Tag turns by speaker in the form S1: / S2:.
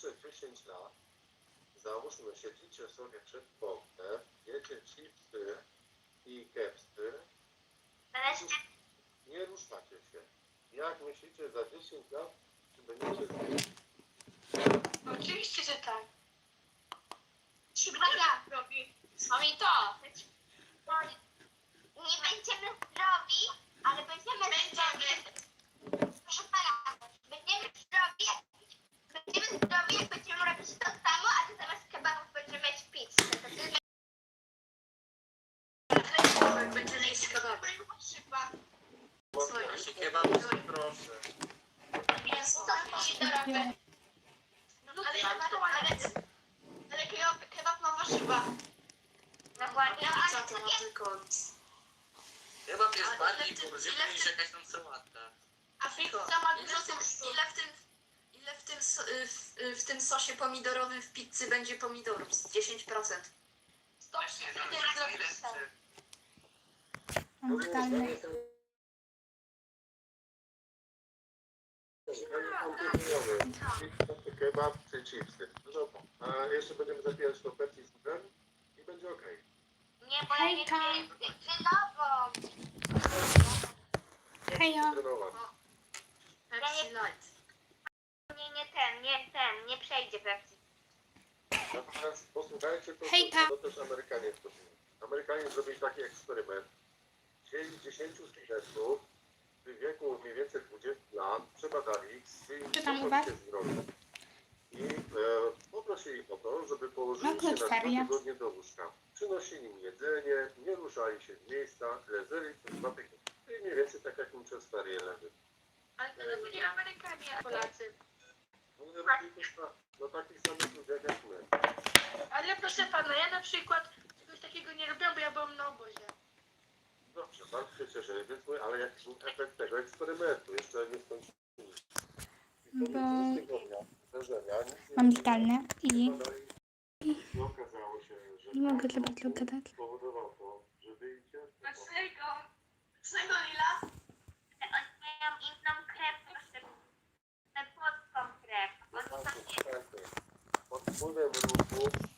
S1: najbliższe 10 lat, załóżmy, siedzicie sobie przed kątem, jecie chipsy i kepsy, nie ruszacie się. Jak myślicie za 10 lat, czy będziecie zdrowi?
S2: Oczywiście, że tak.
S3: Chyba ja.
S2: Mamy to.
S3: Nie będziemy zdrowi, ale będziemy zdrowi. Proszę pana, będziemy zdrowi, jak będziemy robić to samo, a ty zamiast kebabów będziemy mieć pizzę. To ty
S2: Będziemy jeść kebaby.
S1: Właśnie kebab, proszę.
S3: jest to się dorobę. Ale kebab ma warzywa. Dokładnie.
S2: Co to ma tylko...
S4: Kebab jest bardziej pożyteczny niż jakaś tam sałatka.
S3: A pizza ma
S2: Ile w tym sosie pomidorowym w pizzy będzie pomidorów? 10%.
S4: Właśnie, no,
S5: Mam zdalne.
S1: Kebab czy chipsy. No dobra. A jeszcze będziemy zapijać to Pepsi z cukrem i będzie okej.
S3: Nie, bo ja nie
S5: Hejka.
S3: chcę cytrynową.
S5: Hejo.
S1: Trenować.
S2: Pepsi Light.
S3: Nie przejdzie Pepsi.
S1: Natomiast posłuchajcie,
S5: Hejka.
S1: to też Amerykanie zrobili. Amerykanie zrobili taki eksperyment. Wzięli 10 studentów w wieku mniej więcej 20 lat, przebadali ich,
S5: Czy tam u was?
S1: się zdrowiu i poprosili ich o to, żeby położyli
S5: No,
S1: się na 2
S5: feria.
S1: tygodnie do łóżka. Przynosili im jedzenie, nie ruszali się z miejsca, leżeli przez 2 tygodnie. I mniej więcej tak jak im przez ferie leży.
S2: Ale to byli Amerykanie, a Polacy.
S1: No, no takich samych ludziach jak my.
S2: Ale proszę pana, ja na przykład czegoś takiego nie robiłam, bo ja byłam na obozie.
S1: Dobrze, bardzo się cieszę, więc mówię, ale jaki był efekt tego eksperymentu? Jeszcze nie skończyliśmy.
S5: Bo
S1: Zdarzenia,
S5: mam zdalne i
S1: I okazało się, że
S5: nie mogę za bardzo gadać.
S1: spowodował to, że wyjdzie.
S2: Czego Lila?
S3: Oni mają inną krew, proszę. Płotką krew. Oni tam nie.
S1: Pod wpływem ruchu